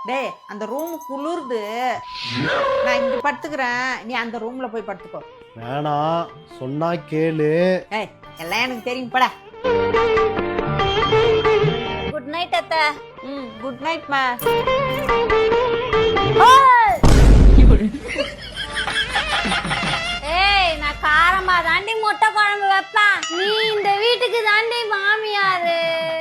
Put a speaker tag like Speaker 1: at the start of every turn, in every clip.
Speaker 1: டேய் அந்த ரூம் குளிருது, நான் இங்க படுத்துக்கிறேன், நீ அந்த ரூம்ல போய் படுத்துக்கோ.
Speaker 2: வேணாம், சொன்னா கேளு.
Speaker 1: ஏய் எல்லாம் எனக்கு தெரியும் பட.
Speaker 3: குட் நைட் அத்தை.
Speaker 1: குட் நைட் மா.
Speaker 3: ஏய் நான் காரமா தாண்டி முட்டை குழம்பு வைப்பேன், நீ இந்த வீட்டுக்கு தாண்டி மாமியாரு.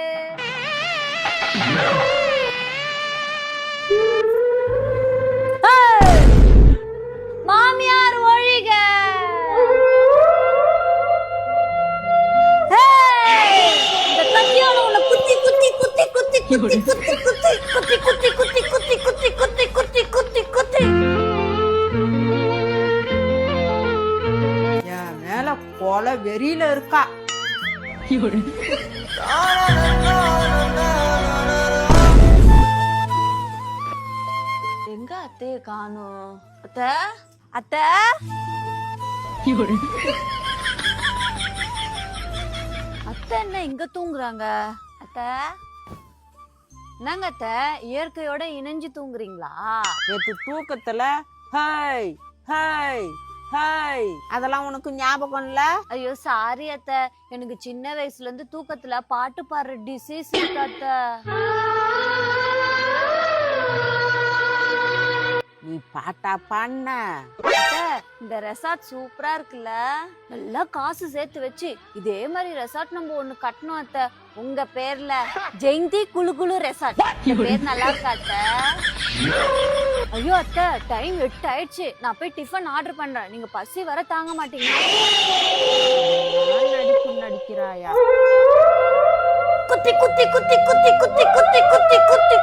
Speaker 3: மாமியார் ஒழிக. இந்த கத்தியால உன்னை குத்தி குத்தி குத்தி குத்தி குத்தி குத்தி குத்தி குத்தி குத்தி குத்தி குத்தி குத்தி குத்தி குத்தி குத்தி குத்தி.
Speaker 1: என் மேல கொலை வெறியில இருக்கா.
Speaker 3: எங்க அத்தைய காணோம்? அத்தை அத்தை அத்தை என்ன இங்க தூங்குறாங்க? அத்தை என்னங்க அத்தை, இயற்கையோட இணைஞ்சு தூங்குறீங்களா?
Speaker 1: நேத்து தூக்கத்துல ஹை ஹை ஹை அதெல்லாம் உனக்கு ஞாபகம் இல்ல?
Speaker 3: ஐயோ சாரி அத்தை, எனக்கு சின்ன வயசுல இருந்து தூக்கத்துல பாட்டு பாடுற டிசீஸ் இருக்கு அத்தை.
Speaker 1: நீ பாட்டா பாடின?
Speaker 3: அத்தை, இந்த ரெசார்ட் சூப்பரா இருக்குல்ல, நல்லா காசு சேர்த்து வச்சு இதே மாதிரி ரெசார்ட் நம்ம ஒண்ணு கட்டணும் அத்தை. உங்க பேர்ல ஜெயந்தி குளு குளு ரெசார்ட். பேர் நல்லா இருக்கா அத்தை? ஐயோ அத்தை, டைம் 8 ஆயிடுச்சு, நான் போய் டிஃபன் ஆர்டர் பண்றேன், நீங்க பசி வர தாங்க மாட்டீங்க.
Speaker 1: நடிப்பு நடிக்கிறாயா?
Speaker 3: குத்தி குத்தி குத்தி குத்தி குத்தி குத்தி குத்தி குத்தி